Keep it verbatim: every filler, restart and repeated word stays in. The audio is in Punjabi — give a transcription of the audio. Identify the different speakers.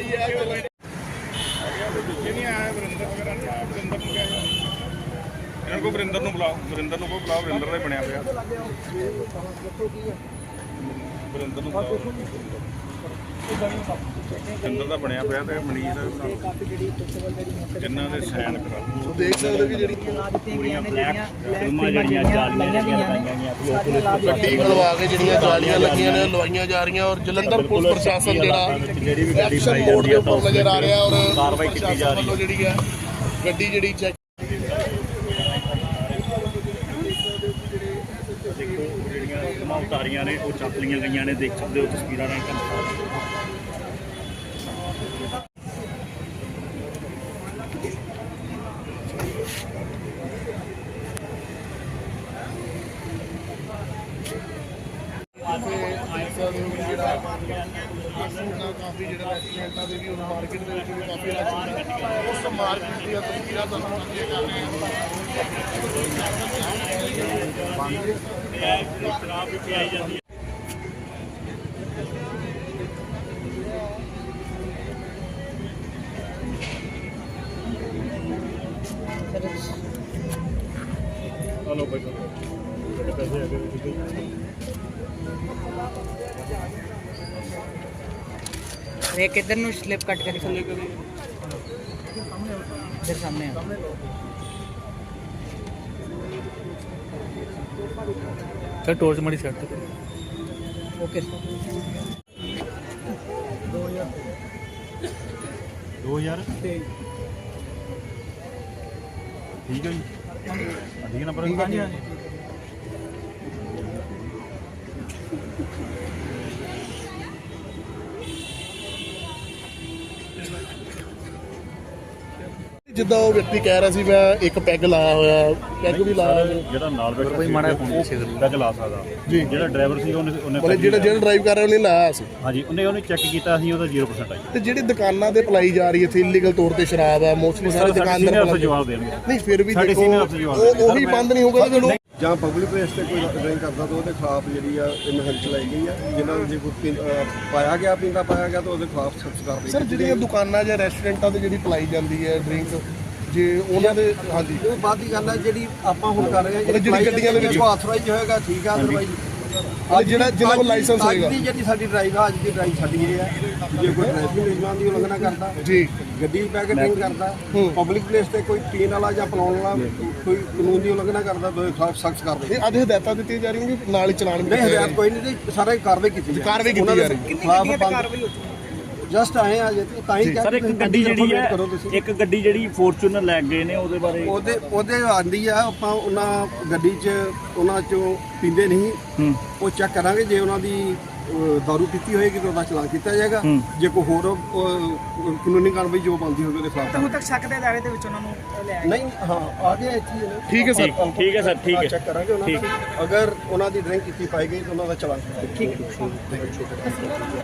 Speaker 1: ਇਹਨਾਂ ਕੋ ਵਰਿੰਦਰ ਨੂੰ ਬੁਲਾਓ, ਵਰਿੰਦਰ ਨੂੰ ਕੋ ਬੁਲਾਓ, ਵਰਿੰਦਰ ਦਾ ਹੀ ਬਣਿਆ ਪਿਆ। ਵਰਿੰਦਰ ਨੂੰ ਬੁਲਾਓ, ਵਰਿੰਦਰ ਦਾ ਬਣਿਆ ਪਿਆ ਤੇ ਮਨੀਸ਼ ਦਾ ਇਹਨਾਂ ਦੇ ਸਾਈਨ ਕਰਾ।
Speaker 2: ਦੇਖ ਸਕਦੇ ਵੀ ਜਿਹੜੀ
Speaker 3: ਪੂਰੀਆਂ ਬਲੈਕ ਫਿਲਮਾਂ ਜਿਹੜੀਆਂ ਜਾਲੀਆਂ ਲੱਗੀਆਂ
Speaker 2: ਗੱਡੀ ਖਲਵਾ ਕੇ ਜਿਹੜੀਆਂ ਜਾਲੀਆਂ ਲੱਗੀਆਂ ਨੇ ਲਵਾਈਆਂ ਜਾ ਰਹੀਆਂ ਔਰ ਜਲੰਧਰ ਪੁਲਿਸ ਪ੍ਰਸ਼ਾਸਨ ਜਿਹੜਾ
Speaker 3: ਜਿਹੜੀ ਵੀ ਗੱਡੀ
Speaker 2: ਐਕਸ਼ਨ ਮੋਡ ਦੇ ਉੱਪਰ ਨਜ਼ਰ ਆ ਰਿਹਾ ਔਰ
Speaker 3: ਕਾਰਵਾਈ ਕੀਤੀ ਜਾ ਰਹੀ ਹੈ
Speaker 2: ਜਿਹੜੀ ਹੈ ਗੱਡੀ ਜਿਹੜੀ ਚੈੱਕ
Speaker 3: ਜਿਹੜੀਆਂ ਫਿਲਮਾਂ ਉਤਾਰੀਆਂ ਨੇ ਉਹ ਚੱਕ ਲਈਆਂ ਗਈਆਂ ਨੇ, ਦੇਖ ਸਕਦੇ ਹੋ ਤਸਵੀਰਾਂ ਰਾਹੀਂ ਤੁਹਾਨੂੰ।
Speaker 2: ਕਾਫੀ ਜਿਹੜਾ ਰੈਸਟੋਰੈਂਟਾਂ ਦੇ ਵੀ ਉਹ ਮਾਰਕੀਟ ਦੇ ਵਿੱਚ ਵੀ ਕਾਫੀ ਰਸ਼ ਹੁੰਦਾ ਉਸ ਮਾਰਕੀਟ ਦੀਆਂ ਤਸਵੀਰਾਂ ਤੁਹਾਨੂੰ ਸਾਂਝੀਆਂ ਕਰ ਰਹੇ
Speaker 3: ਹਾਂ। ਸ਼ਰਾਬ ਵੀ ਪਿਆਈ ਜਾਂਦੀ ਹੈ। ਹਲੋ ਭਾਈ ਤੁਹਾਡੇ ਪੈਸੇ ਹੈਗੇ
Speaker 4: एक इधर नु स्लिप कट करके चले गए इधर सामने है
Speaker 5: सर टॉर्च मारी सेट
Speaker 4: ओके
Speaker 3: दो हज़ार ठीक है जी ठीक नंबर हाँ जी हाँ जी
Speaker 2: ਜਿੱਦਾਂ ਉਹ ਵਿਅਕਤੀ ਕਹਿ ਰਿਹਾ ਸੀ ਮੈਂ ਇੱਕ ਪੈਗ ਲਾਇਆ ਹੋਇਆ, ਪੈਗ ਵੀ ਲਾਇਆ ਹੋਇਆ।
Speaker 3: ਜਿਹੜਾ ਨਾਲ ਬੈਠਾ
Speaker 5: ਕੋਈ ਮਾੜਾ ਫੋਨ ਸੀ
Speaker 3: ਪੈਗ ਲਾ ਸਕਦਾ
Speaker 2: ਜੀ।
Speaker 3: ਜਿਹੜਾ ਡਰਾਈਵਰ ਸੀ ਉਹਨੇ ਉਹਨੇ
Speaker 2: ਮਤਲਬ ਜਿਹੜਾ ਜਿਹੜਾ ਡਰਾਈਵ ਕਰ ਰਿਹਾ ਉਹਨੇ ਲਾਇਆ ਸੀ
Speaker 3: ਹਾਂਜੀ ਉਹਨੇ ਉਹਨੇ ਚੈੱਕ ਕੀਤਾ ਸੀ ਉਹਦਾ ਜ਼ੀਰੋ ਪਰਸੈਂਟ ਆਈ।
Speaker 2: ਤੇ ਜਿਹੜੀ ਦੁਕਾਨਾਂ ਤੇ ਪਲਾਈ ਜਾ ਰਹੀ ਹੈ ਇੱਥੇ ਇਲੀਗਲ ਤੌਰ ਤੇ ਸ਼ਰਾਬ ਹੈ ਮੋਸਟਲੀ ਸਾਰੇ ਦੁਕਾਨਦਾਰ
Speaker 3: ਦੁਕਾਨਦਾਰ
Speaker 2: ਪਲਾਈ-
Speaker 3: ਜਵਾਬ ਦੇਣਗੇ।
Speaker 2: ਨਹੀਂ ਫਿਰ ਵੀ
Speaker 3: ਸਾਡੇ
Speaker 2: ਦੇਖੋ
Speaker 3: senior ਅਫਸਰ ਜਵਾਬ
Speaker 2: ਉਹ
Speaker 3: ਦੇਣਗੇ।
Speaker 2: ਉਹੀ ਬੰਦ ਨਹੀਂ ਹੋਊਗਾ ਜਦੋਂ
Speaker 6: ਜਾਂ ਪਬਲਿਕ ਪਲੇਸ ਤੇ ਕੋਈ ਡਰਿੰਕ ਕਰਦਾ ਤਾਂ ਉਹਦੇ ਖਿਲਾਫ ਜਿਹੜੀ ਆ ਇਹ ਮੁਹਿੰਮ ਚਲਾਈ ਗਈ ਆ। ਜਿਹਨਾਂ ਨੂੰ ਜੇ ਕੋਈ ਪੀਂ- ਅਹ ਪਾਇਆ ਗਿਆ ਪੀਂਦਾ ਪਾਇਆ ਗਿਆ ਤਾਂ ਉਹਦੇ ਖਿਲਾਫ ਸਖਤ ਕਾਰਵਾਈ
Speaker 2: ਸਰ ਜਿਹੜੀਆਂ ਦੁਕਾਨਾਂ ਜਾਂ ਰੈਸਟੋਰੈਂਟਾਂ ਤੇ ਜਿਹੜੀ ਪਲਾਈ ਜਾਂਦੀ ਹੈ ਡਰਿੰਕ ਜੇ ਉਹਨਾਂ ਦੇ ਹਾਂਜੀ
Speaker 6: ਉਹ ਬਾਅਦ ਦੀ ਗੱਲ ਹੈ ਜਿਹੜੀ ਆਪਾਂ ਹੁਣ ਕਰ ਰਹੇ ਹਾਂ
Speaker 2: ਮਤਲਬ ਜਿਹੜੀ ਗੱਡੀਆਂ ਦੇ ਵਿੱਚ
Speaker 6: ਆਥੋਰਾਈਜ਼ ਹੋਏਗਾ ਠੀਕ ਆ। ਅਦਰਵਾਈਜ਼
Speaker 2: ਜਿਹੜਾ ਜਿਹਨਾਂ ਕੋਲ ਲਾਇਸੈਂਸ ਹੋਏਗਾ
Speaker 6: ਅੱਜ ਦੀ ਜਿਹੜੀ ਸਾਡੀ ਡਰਾਈਵ ਆ ਅੱਜ ਦੀ ਡਰਾਈਵ ਸਾਡੀ ਇਹ ਹੈ ਜੇ ਕੋਈ ਟ੍ਰੈਫਿਕ ਨਿਯਮਾਂ ਦੀ ਉਲੰਘਣਾ ਕਰਦਾ
Speaker 2: ਜੀ
Speaker 6: ਗੱਡੀ ਪੈ ਕੇ ਡਰਿੰਕ ਕਰਦਾ ਪਬਲਿਕ ਪਲੇਸ ਤੇ ਕੋਈ ਪੀਣ ਵਾਲਾ ਜਾਂ ਪਿਲਾਉਣ ਵਾਲਾ ਕੋਈ ਕਾਨੂੰਨ ਦੀ ਉਲੰਘਣਾ ਕਰਦਾ ਤਾਂ ਉਹਦੇ ਖਿਲਾਫ ਸਖਤ ਕਾਰਵਾਈ।
Speaker 2: ਇਹ ਅੱਜ ਹਦਾਇਤਾਂ ਦਿੱਤੀਆਂ ਜਾ ਰਹੀਆਂ ਕਿ ਨਾਲ ਹੀ ਚਲਾਨ ਵੀ
Speaker 6: ਨਹੀਂ ਹਦਾਇਤ ਕੋਈ ਨਹੀਂ ਜੀ ਸਾਰਾ ਕਾਰਵਾਈ ਕੀਤੀ ਜਾ
Speaker 2: ਕਾਰਵਾਈ ਕੀਤੀ ਜਾ ਰਹੀ
Speaker 6: ਹੈ। ਜਸਟ ਆਏ ਆ ਜੇ ਤਾਂ ਹੀ
Speaker 3: ਸਰ ਇੱਕ ਗੱਡੀ ਜਿਹੜੀ ਹੈ ਇੱਕ ਗੱਡੀ ਜਿਹੜੀ ਫੋਰਚੂਨਰ ਲੈ ਗਏ ਨੇ ਉਹਦੇ ਬਾਰੇ
Speaker 6: ਉਹਦੇ ਉਹਦੇ ਆਂਦੀ ਆ ਆਪਾਂ ਉਹਨਾਂ ਗੱਡੀ 'ਚ ਉਹਨਾਂ 'ਚੋਂ ਪੀਂਦੇ ਨਹੀਂ ਉਹ ਚੈੱਕ ਕਰਾਂਗੇ ਜੇ ਉਹਨਾਂ ਦੀ ਅਹ, ਦਾਰੂ ਪੀਤੀ ਹੋਏਗੀ ਤਾਂ ਉਹਦਾ ਚਲਾਨ ਕੀਤਾ ਜਾਏਗਾ। ਜੇ ਕੋਈ ਹੋਰ ਅਹ, ਕਾਨੂੰਨੀ ਕਾਰਵਾਈ ਜੋ ਬਣਦੀ ਹੋਵੇ ਉਹਦੇ ਖਿਲਾਫ
Speaker 4: ਹੁਣ ਤੱਕ ਸ਼ੱਕ ਦੇ ਦਾਇਰੇ ਦੇ ਵਿੱਚ ਉਹਨਾਂ ਨੂੰ ਲਿਆ
Speaker 6: ਨਹੀਂ ਹਾਂ ਆ ਗਿਆ ਇੱਥੇ ਹੀ ਹੈ।
Speaker 2: ਠੀਕ ਹੈ ਸਰ
Speaker 3: ਠੀਕ ਹੈ ਸਰ ਠੀਕ ਹੈ
Speaker 6: ਚੈੱਕ ਕਰਾਂਗੇ ਉਹਨਾਂ ਦਾ ਅਗਰ ਉਹਨਾਂ ਦੀ ਡਰਿੰਕ ਕੀਤੀ ਪਾਈ ਗਈ ਤਾਂ ਉਹਨਾਂ ਦਾ ਚਲਾਨ ਕਰਾਂਗੇ। ਠੀਕ ਹੈ।